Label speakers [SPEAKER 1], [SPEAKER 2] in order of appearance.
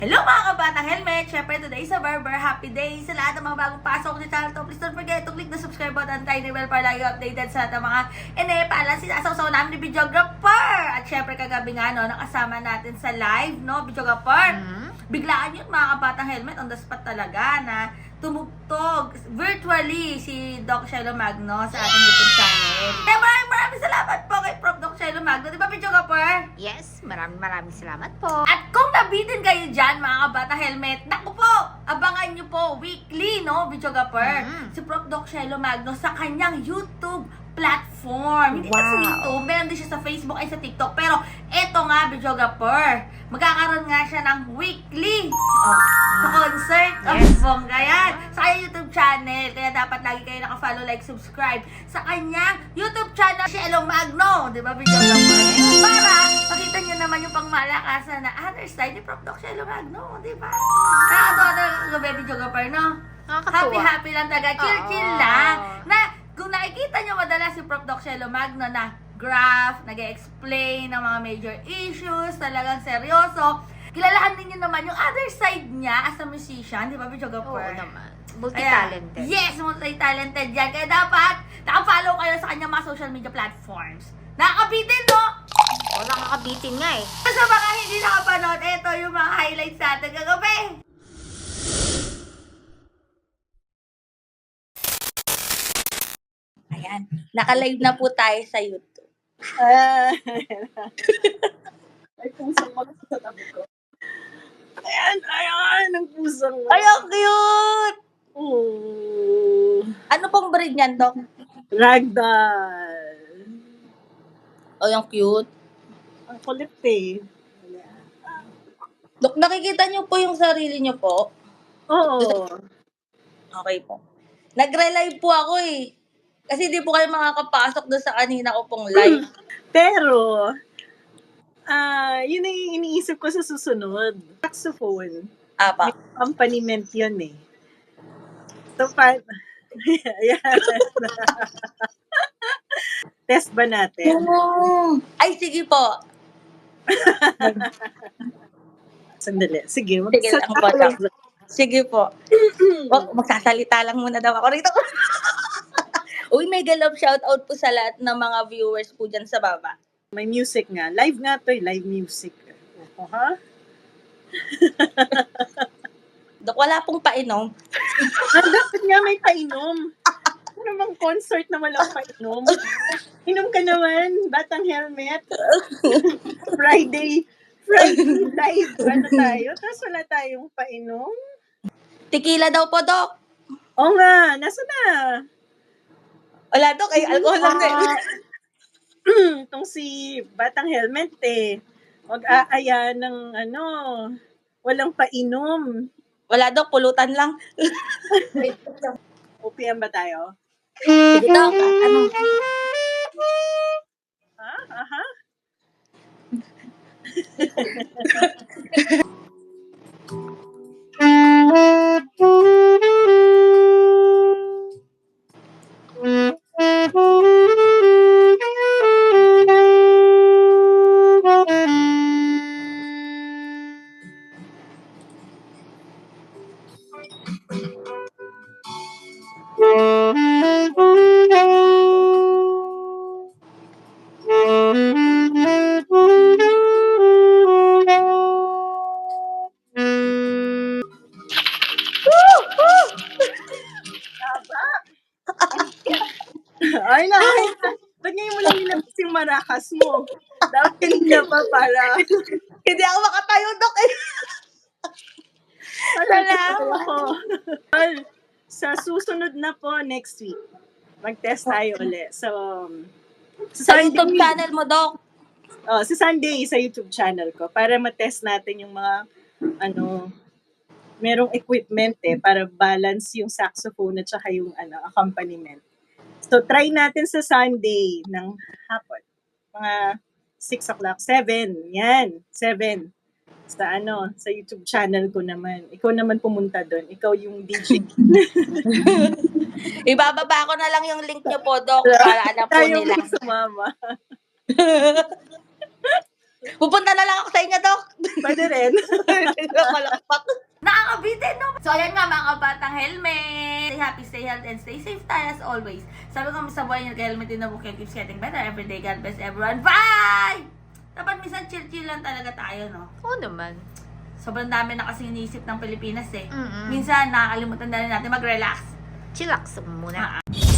[SPEAKER 1] Hello mga kabatang helmet! Syempre today sa Barber, happy day sa lahat ng mga bagong pasok sa channel to. Please don't forget to click the subscribe button, tiny bell para lagi updated sa lahat ng mga inepalan sinasaw-saw namin ni videographer. At syempre kagabi nga no, nakasama natin sa live, no, videographer. Biglaan yun mga kabatang helmet, on the spot talaga na tumugtog virtually si Doc Shelo Magno sa ating YouTube channel. Kaya maraming salamat po kay Prof. Doc Shelo Magno. Di ba videographer?
[SPEAKER 2] Yes, maraming salamat po.
[SPEAKER 1] At kung nabitin kayo dyan, mga kabata helmet, naku po, abangan nyo po weekly, no, videographer, si Prof. Doc Shelo Magno sa kanyang YouTube platform. Hindi na sa YouTube, meron din siya sa Facebook ay sa TikTok. Pero eto nga, videographer, magkakaroon nga siya ng weekly sa concert of bongga yan sa kanyang YouTube channel. Kaya dapat lagi kayo naka-follow, like, subscribe sa kanyang YouTube channel, Shelo Magno. Di ba, videographer? Para makita nyo naman yung pangmalakasan na other side ni Prof. Doc Shelo Magno. Di ba? Nakakatawa na gabi, videographer, no?
[SPEAKER 2] Nakakatuwa.
[SPEAKER 1] Happy lang talaga. Chill lang. Na kung nakikita nyo madalas si Prof. Doc Shelo Magno na graph, nag-explain ng mga major issues, talagang seryoso. Kilalahan din nyo naman yung other side niya as a musician, di ba, videographer?
[SPEAKER 2] Oo naman. Multi-talented.
[SPEAKER 1] Yes, multi-talented yan. Kaya dapat naka-follow kayo sa kanyang mga social media platforms. Nakakabitin, no?
[SPEAKER 2] Oo, nakakabitin nga eh.
[SPEAKER 1] Sa mga hindi nakapanood, ito yung mga highlights natin kagabi. Ayan, naka-live na po tayo sa YouTube.
[SPEAKER 3] Ay, pusang mga sa tabi ko. Ayan, ang pusang mga.
[SPEAKER 1] Ay, ang cute! Ano pong breed niyan, Dok?
[SPEAKER 3] Ragdoll.
[SPEAKER 1] Oh, yung cute.
[SPEAKER 3] Ang kulit eh.
[SPEAKER 1] Dok, nakikita niyo po yung sarili niyo po?
[SPEAKER 3] Oo.
[SPEAKER 1] Okay po. Nagre-live po ako eh. Kasi di po kayo makakapasok doon sa kanina ko pong live.
[SPEAKER 3] Pero, yun ang iniisip ko sa susunod. Saxophone.
[SPEAKER 1] Apa.
[SPEAKER 3] May accompaniment yun eh. So, ayan. Test ba natin?
[SPEAKER 1] Ay, sige po.
[SPEAKER 3] Sandali. Sige,
[SPEAKER 1] Sige lang po, Dok. Sige po. Magsasalita lang muna daw ako rito. Uy, mega love shoutout po sa lahat ng mga viewers po dyan sa baba.
[SPEAKER 3] May music nga. Live nga to eh. Live music. Ha?
[SPEAKER 1] Dok, wala pong painom.
[SPEAKER 3] Dapat nga may painom. Ano namang concert na walang painom? Inom ka naman, batang helmet. Friday live. Ano tayo? Tapos wala tayong painom.
[SPEAKER 1] Tequila daw po, Dok.
[SPEAKER 3] Oo nga, nasa na?
[SPEAKER 1] Wala, Dok. Ay, alcohol lang din.
[SPEAKER 3] Itong si batang helmet eh. Mag-aaya ng walang painom.
[SPEAKER 1] Wala, Dok. Pulutan lang.
[SPEAKER 3] OPM ba tayo?
[SPEAKER 1] Sige, Dok. Ano?
[SPEAKER 3] Ha? Aha? Ay, naku. Ba't ngayon mo lang nilabas yung marakas mo? Dapat kanina pa para.
[SPEAKER 1] Hindi ako makatayo, Dok.
[SPEAKER 3] Salamat. Sa susunod na po next week, mag-test tayo ulit. So,
[SPEAKER 1] Sa YouTube channel mo, Dok.
[SPEAKER 3] sa Sunday sa YouTube channel ko para ma-test natin yung mga merong equipment para balance yung saxophone at saka yung accompaniment. So, try natin sa Sunday ng hapon. Mga 6 o'clock, 7. Yan, 7. Sa YouTube channel ko naman. Ikaw naman pumunta doon. Ikaw yung DJ.
[SPEAKER 1] Ibababa ko na lang yung link niyo po, Dok, para alam po
[SPEAKER 3] Tayo
[SPEAKER 1] nila.
[SPEAKER 3] sumama.
[SPEAKER 1] Pupunta na lang ako sa inyo, Dok.
[SPEAKER 3] Pwede rin.
[SPEAKER 1] Nakalakpak. Nakakabitin, no? So, ayan nga mga kabatang helmet. Stay happy, stay healthy, and stay safe tayo as always. Sabi ko sa buhay niyo, helmet din na book keeps getting better every day. God bless everyone. Bye! Dapat minsan chill-chill lang talaga tayo, no?
[SPEAKER 2] Oo naman.
[SPEAKER 1] Sobrang dami na kasing iniisip ng Pilipinas, eh.
[SPEAKER 2] Mm-mm.
[SPEAKER 1] Minsan, nakakalimutan na rin natin mag-relax.
[SPEAKER 2] Chillax muna.